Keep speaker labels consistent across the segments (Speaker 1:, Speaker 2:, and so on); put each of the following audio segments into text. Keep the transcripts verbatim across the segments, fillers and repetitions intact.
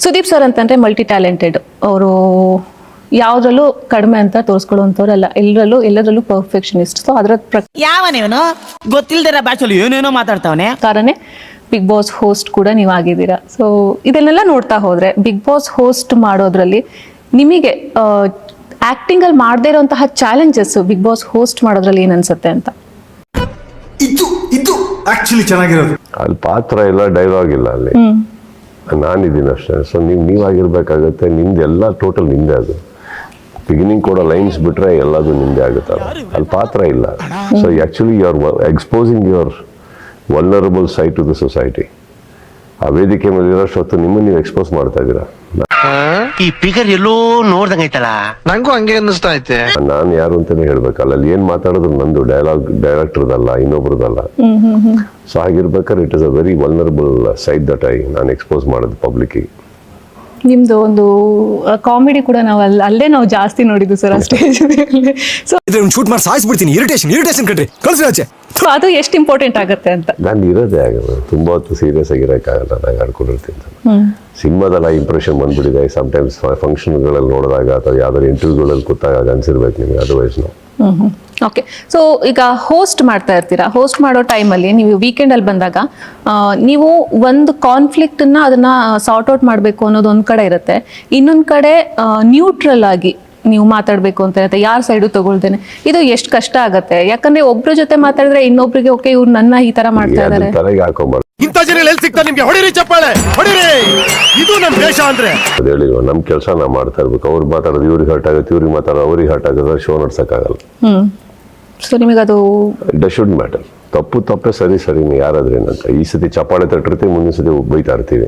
Speaker 1: Sudeep sir ಅಂತಂದ್ರೆ multi talented ಅವರು, ಯಾವ್ದ್ರಲ್ಲೂ ಕಡಿಮೆ ಅಂತ ತೋರಿಸ್ಕೊಳ್ಳುವಂಥವ್ರಲ್ಲ, ಎಲ್ಲರಲ್ಲೂ ಎಲ್ಲದರಲ್ಲೂ ಪರ್ಫೆಕ್ಷನಿಸ್ಟ್. ಸೊ ಅದರ
Speaker 2: ಯಾವನೇವನು ಗೊತ್ತಿಲ್ದಿರ ಭಾಷೆಯಲ್ಲಿ ಏನೇನೋ ಮಾತಾಡ್ತಾವನೆ
Speaker 1: ಪ್ರಕಾರನೇ ಬಿಗ್ ಬಾಸ್ ಹೋಸ್ಟ್ ಕೂಡ ನೀವು ಆಗಿದ್ದೀರಾ. ಸೊ ಇದನ್ನೆಲ್ಲ ನೋಡ್ತಾ ಹೋದ್ರೆ ಬಿಗ್ ಬಾಸ್ ಹೋಸ್ಟ್ ಮಾಡೋದ್ರಲ್ಲಿ ನಿಮಗೆ ಆಕ್ಟಿಂಗ್ ಅಲ್ಲಿ ಮಾಡದೇ ಇರುವಂತಹ ಚಾಲೆಂಜಸ್ ಬಿಗ್ ಬಾಸ್ ಹೋಸ್ಟ್ ಮಾಡೋದ್ರಲ್ಲಿ ಏನ್ ಅನ್ಸುತ್ತೆ ಅಂತ?
Speaker 3: ಇದು ಇದು ಆಕ್ಚುಲಿ ಚೆನ್ನಾಗಿರೋದು.
Speaker 4: ಅಲ್ಲಿ ಪಾತ್ರ ಇಲ್ಲ, ಡೈಲಾಗ್ ಇಲ್ಲ, ಅಲ್ಲಿ ನಾನಿದ್ದೀನಿ ಅಷ್ಟೇ. ಸೊ ನೀವು ನೀವಾಗಿರ್ಬೇಕಾಗತ್ತೆ. ನಿಮ್ದು ಎಲ್ಲ ಟೋಟಲ್ ನಿಂದೆ. ಅದು ಬಿಗಿನಿಂಗ್ ಕೂಡ ಲೈನ್ಸ್ ಬಿಟ್ರೆ ಎಲ್ಲದು ನಿಂದೆ ಆಗುತ್ತಲ್ಲ, ಅಲ್ಲಿ ಪಾತ್ರ ಇಲ್ಲ. So actually you are exposing your vulnerable side to the society. ಆ ವೇದಿಕೆ ಮೇಲೆ ಇರೋಷ್ಟು ನಿಮ್ಮನ್ನು ನೀವು ಎಕ್ಸ್ಪೋಸ್ ಮಾಡ್ತಾ ಇದ್ದೀರಾ.
Speaker 5: ಈ ಫಿಗರ್ ಎಲ್ಲೋ ನೋಡ್ದಂಗೈತಲ್ಲ,
Speaker 6: ನಂಗೂ ಹಂಗೆ ಅನ್ನಿಸ್ತಾ ಐತೆ.
Speaker 4: ನಾನು ಯಾರು ಅಂತಾನೆ ಹೇಳ್ಬೇಕಲ್ಲ, ಅಲ್ಲಿ ಏನ್ ಮಾತಾಡೋದು ನಂದು, ಡೈಲಾಗ್ ಡೈರೆಕ್ಟರ್ದಲ್ಲ, ಇನ್ನೊಬ್ರದಲ್ಲ. ಸೊ ಹಾಗಿರ್ಬೇಕಾದ್ರೆ it is a very vulnerable side that I ನಾನು ಎಕ್ಸ್ಪೋಸ್ ಮಾಡೋದು ಪಬ್ಲಿಕ್.
Speaker 1: ನಿಮ್ದು ಒಂದು ಕಾಮಿಡಿ ಕೂಡ ನಾವು ಅಲ್ಲಿ ಅಲ್ಲೇ ನಾವು ಜಾಸ್ತಿ ನೋಡಿದ್ದು ಸರ್ ಆ ಸ್ಟೇಜ್ ಮೇಲೆ. ಸೊ
Speaker 3: ಶೂಟ್ ಮಾಡಿ ಸಾಯಿಸ್ಬಿಡ್ತೀನಿ. ಇರಿಟೇಷನ್ ಇರಿಟೇಷನ್ ಕಟ್ರಿ ಕಳ್ಸಿ ಆಚೆ.
Speaker 1: ಸೊ ಅದು ಎಷ್ಟು ಇಂಪಾರ್ಟೆಂಟ್ ಆಗುತ್ತೆ ಅಂತ.
Speaker 4: ನಾನು ಇರೋದೇ ಆಗಲ್ಲ, ತುಂಬಾ ಹೊತ್ತು ಸೀರಿಯಸ್ ಆಗಿರೋಕ್ಕಾಗಲ್ಲ. ನಾನು ಆಡ್ಕೊಂಡಿರ್ತೀನಿ. ಸಿನಿಮಾದಲ್ಲ ಇಂಪ್ರೆಷನ್ ಬಂದ್ಬಿಟ್ಟಿದೆ. ಸಮ್ಟೈಮ್ಸ್ ಫಂಕ್ಷನ್ಗಳಲ್ಲಿ ನೋಡಿದಾಗ ಅಥವಾ ಯಾವ್ದಾದ್ರು ಇಂಟರ್ವ್ಯೂಗಳಲ್ಲಿ ಕೂತಾಗ ಅನ್ಸಿರ್ಬೇಕು ನಿಮಗೆ, ಅದರ್ವೈಸ್ ನಾವು.
Speaker 1: ಓಕೆ. ಸೊ ಈಗ ಹೋಸ್ಟ್ ಮಾಡ್ತಾ ಇರ್ತೀರಾ, ಹೋಸ್ಟ್ ಮಾಡೋ ಟೈಮಲ್ಲಿ ನೀವು ವೀಕೆಂಡ್ ಅಲ್ಲಿ ಬಂದಾಗ ನೀವು ಒಂದು ಕಾನ್ಫ್ಲಿಕ್ಟ್ ಅನ್ನ ಅದನ್ನ ಸಾರ್ಟ್ ಔಟ್ ಮಾಡಬೇಕು ಅನ್ನೋದು ಒಂದ್ ಕಡೆ ಇರುತ್ತೆ, ಇನ್ನೊಂದ್ ಕಡೆ ನ್ಯೂಟ್ರಲ್ ಆಗಿ ನೀವು ಮಾತಾಡ್ಬೇಕು ಅಂತ ಇರುತ್ತೆ, ಯಾರ ಸೈಡು ತಗೊಳ್ತೇನೆ. ಇದು ಎಷ್ಟು ಕಷ್ಟ ಆಗತ್ತೆ, ಯಾಕಂದ್ರೆ ಒಬ್ರ ಜೊತೆ ಮಾತಾಡಿದ್ರೆ ಇನ್ನೊಬ್ರಿಗೆ ಓಕೆ ಇವ್ರು ನನ್ನ ಈ ತರ ಮಾಡ್ತಾ ಇದಾರೆ.
Speaker 4: ತಲೆಗೆ ಹಾಕೊಂಬಾರ್ದು.
Speaker 3: ಇಂಥ ಜನ ಎಲ್ಲಿ ಸಿಗ್ತಾರೆ ನಿಮ್ಗೆ? ಹೊಡಿರಿ ಚಪ್ಪಾಳೆ, ಹೊಡಿರಿ. ಇದು ನಮ್ ದೇಶ ಅಂದ್ರೆ.
Speaker 4: ಅದು ಹೇಳಿಲ್ವ, ನಮ್ ಕೆಲಸ ನಾವು ಮಾಡ್ತಾ ಇರ್ಬೇಕು. ಅವ್ರು ಮಾತಾಡೋದು ಇವ್ರಿಗೆ ಹರ್ಟ್ ಆಗುತ್ತೆ, ಇವ್ರಿಗೆ ಮಾತಾಡೋದು ಅವ್ರಿಗೆ ಹರ್ಟ್ ಆಗುತ್ತೆ, ಶೋ ನಡ್ಸಕ್ಕಾಗಲ್ಲ.
Speaker 1: ಹ್ಮ್. ಸೊ ನಿಮಗೆ ಅದು
Speaker 4: ಇಟ್ ಶುಡ್ ಮ್ಯಾಟರ್. ತಪ್ಪು ತಪ್ಪೇ, ಸರಿ ಸರಿ ಯಾರಾದ್ರೆ ಏನಂತ. ಈ ಸತಿ ಚಪ್ಪಾಳೆ ತಟ್ಟಿರ್ತೀವಿ, ಮುಂದಿನ ಸತಿ ಬೈತಾ ಇರ್ತೀವಿ.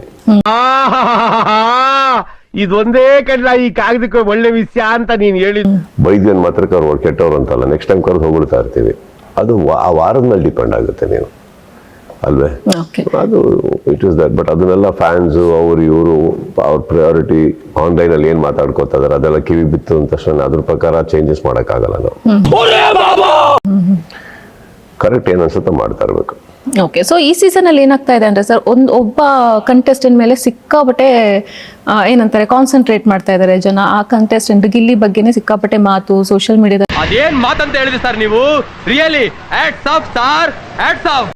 Speaker 5: ಇದೊಂದೇ ಕಡ್ಲ ಈ ಕಾಗದಕ್ಕೆ ಒಳ್ಳೆ ವಿಷಯ ಅಂತ ನೀನ್ ಹೇಳಿ.
Speaker 4: ಬೈದ್ಯನ್ ಮಾತ್ರಕ್ಕೆ ಅವ್ರು ಕೆಟ್ಟವ್ರು ಅಂತಲ್ಲ, ನೆಕ್ಸ್ಟ್ ಟೈಮ್ ಕರೆದು ಹೋಗ್ಬಿಡ್ತಾ ಇರ್ತೀವಿ. ಅದು ಆ ವಾರದ ಮೇಲೆ ಡಿಪೆಂಡ್ ಆಗುತ್ತೆ ನೀವು, ಅಲ್ವೇ? ಅದು ಇಟ್ ಇಸ್ ದಟ್. ಬಟ್ ಅದನ್ನೆಲ್ಲ ಫ್ಯಾನ್ಸು ಅವ್ರು ಇವರು ಅವ್ರ ಪ್ರಯಾರಿಟಿ ಆನ್ಲೈನ್ ಅಲ್ಲಿ ಏನ್ ಮಾತಾಡ್ಕೋತಾ ಇದಾರೆ ಅದೆಲ್ಲ ಕಿವಿ ಬಿತ್ತು ಅಂತ ತಕ್ಷಣ ಅದ್ರ ಪ್ರಕಾರ ಚೇಂಜಸ್ ಮಾಡಕ್ಕಾಗಲ್ಲ ನಾವು. ಕರೆಕ್ಟ್ ಏನ್ ಅನ್ಸುತ್ತೆ ಮಾಡ್ತಾ ಇರ್ಬೇಕು.
Speaker 1: ಓಕೆ. ಸೊ ಈ ಸೀಸನ್ ಅಲ್ಲಿ ಏನಾಗ್ತಾ ಇದೆ ಅಂದ್ರೆ ಸರ್, ಒಂದ್ ಒಬ್ಬ ಕಂಟೆಸ್ಟೆಂಟ್ ಮೇಲೆ ಸಿಕ್ಕಾಪಟ್ಟೆ ಏನಂತಾರೆ ಕಾನ್ಸಂಟ್ರೇಟ್ ಮಾಡ್ತಾ ಇದಾರೆ ಜನ. ಆ ಕಂಟೆಸ್ಟೆಂಟ್ ಗಿಲ್ಲಿ ಬಗ್ಗೆನೇ ಸಿಕ್ಕಾಪಟ್ಟೆ ಮಾತು ಸೋಷಿಯಲ್ ಮೀಡಿಯಾದಲ್ಲಿ.
Speaker 7: ಅದೇನ್ ಮಾತಂತ ಹೇಳಿದ್ರಿ ಸರ್ ನೀವು? Really hats off sir, hats of.